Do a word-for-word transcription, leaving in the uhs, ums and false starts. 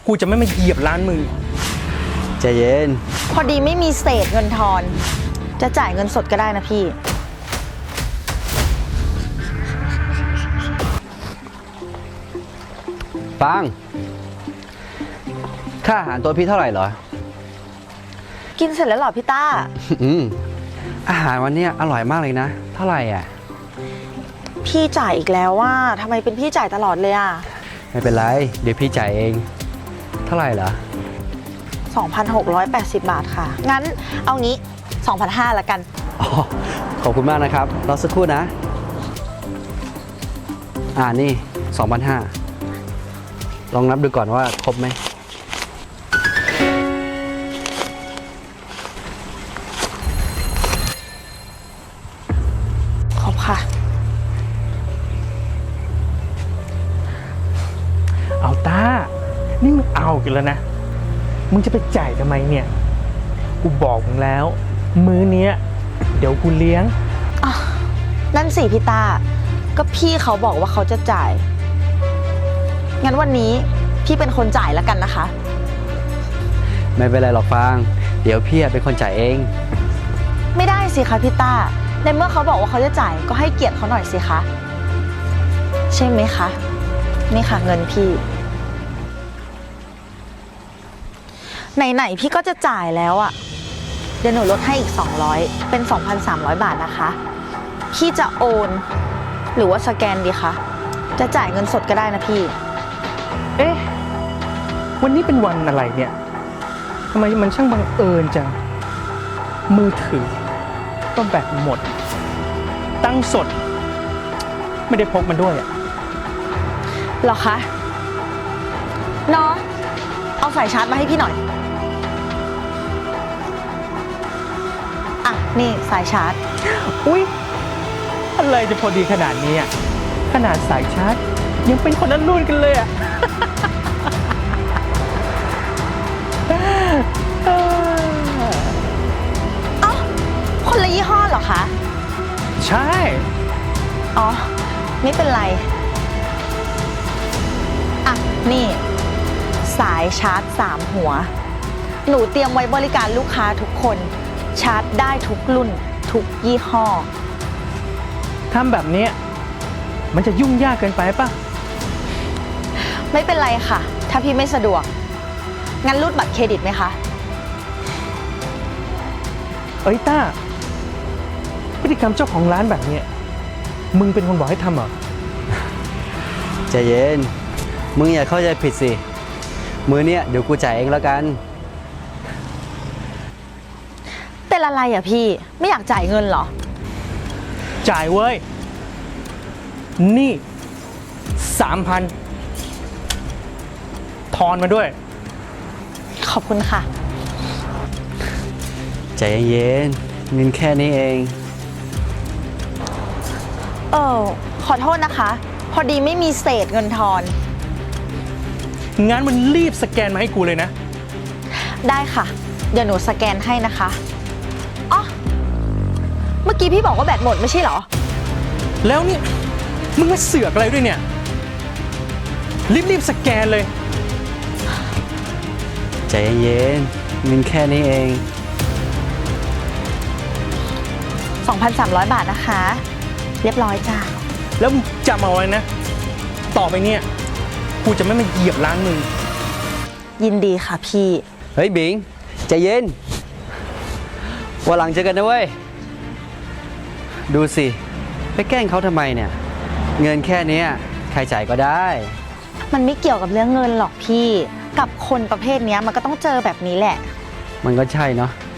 กูจะไม่มาเหยียบร้านมึงใจเย็นพอดีไม่มีเศษเงินทอนจะจ่ายเงินสดก็ได้นะพี่ปังค่าอาหารตัวพี่เท่าไหร่เหรอกินเสร็จแล้วเหรอพี่ต้าอืมอาหารวันนี้อร่อยมากเลยนะเท่าไหร่อ่ะพี่จ่ายอีกแล้วว่าทำไมเป็นพี่จ่ายตลอดเลยอ่ะไม่เป็นไรเดี๋ยวพี่จ่ายเองเท่าไหร่เหรอสองพันหกร้อยแปดสิบ บาทค่ะงั้นเอางี้ สองพันห้าร้อย ละกันอ๋อขอบคุณมากนะครับรอสักครู่นะอ่านี่ สองพันห้าร้อย ลองนับดูก่อนว่าครบไหมขอบค่ะเอาต้านี่มึงเอากันแล้วนะมึงจะไปจ่ายทำไมเนี่ยกูบอกมึงแล้วมื้อเนี้ยเดี๋ยวกูเลี้ยงอ่ะนั่นสิพี่ตาก็พี่เขาบอกว่าเขาจะจ่ายงั้นวันนี้พี่เป็นคนจ่ายแล้วกันนะคะไม่เป็นไรหรอกฟางเดี๋ยวพี่เป็นคนจ่ายเองไม่ได้สิคะพี่ตาในเมื่อเขาบอกว่าเขาจะจ่ายก็ให้เกียรติเขาหน่อยสิคะใช่ไหมคะนี่ค่ะเงินพี่ไหนๆพี่ก็จะจ่ายแล้วอ่ะเดี๋ยวหนูลดให้อีกสองร้อยเป็น สองพันสามร้อย บาทนะคะพี่จะโอนหรือว่าสแกนดีคะจะจ่ายเงินสดก็ได้นะพี่เอ๊ะวันนี้เป็นวันอะไรเนี่ยทำไมมันช่างบังเอิญจังมือถือก็แบตหมดตั้งสดไม่ได้พกมันด้วยอะหรอคะน้องเอาสายชาร์จมาให้พี่หน่อยอ่ะนี่สายชาร์จอุ๊ยอะไรจะพอดีขนาดนี้อ่ะขนาดสายชาร์จยังเป็นคนละรุ่นกันเลยอ่ะเอ้าคนละยี่ห้อเหรอคะใช่อ๋อไม่เป็นไรอ่ะนี่สายชาร์จสามหัวหนูเตรียมไว้บริการลูกค้าทุกคนชาร์จได้ทุกรุ่นทุกยี่ห้อทำแบบนี้มันจะยุ่งยากเกินไปป่ะไม่เป็นไรค่ะถ้าพี่ไม่สะดวกงั้นรูดบัตรเครดิตไหมคะเอ้ยต้าพฤติกรรมเจ้าของร้านแบบนี้มึงเป็นคนบอกให้ทำเหรอใจเย็นมึงอย่าเข้าใจผิดสิมือเนี้ยเดี๋ยวกูจ่ายเองแล้วกันเป็นอะไรอ่ะพี่ไม่อยากจ่ายเงินเหรอจ่ายเว้ยนี่สามพันทอนมาด้วยขอบคุณค่ะใจเย็นเงินแค่นี้เองเออขอโทษนะคะพอดีไม่มีเศษเงินทอนงั้นมันรีบสแกนมาให้กูเลยนะได้ค่ะเดี๋ยวหนูสแกนให้นะคะอ๋อเมื่อกี้พี่บอกว่าแบตหมดไม่ใช่เหรอแล้วนี่มึงมาเสือกอะไรด้วยเนี่ยรีบๆสแกนเลยใจเย็นเงินแค่นี้เองสองพันสามร้อย บาทนะคะเรียบร้อยจ้าแล้วมึงจำเอาไว้นะต่อไปเนี่ยกูจะไม่มาเหยียบร้านมึงยินดีค่ะพี่เฮ้ยบิงใจเย็นวันหลังเจอกันนะเว้ยดูสิไปแกล้งเขาทำไมเนี่ยเงินแค่นี้ใครจ่ายก็ได้มันไม่เกี่ยวกับเรื่องเงินหรอกพี่กับคนประเภทนี้มันก็ต้องเจอแบบนี้แหละมันก็ใช่เนาะ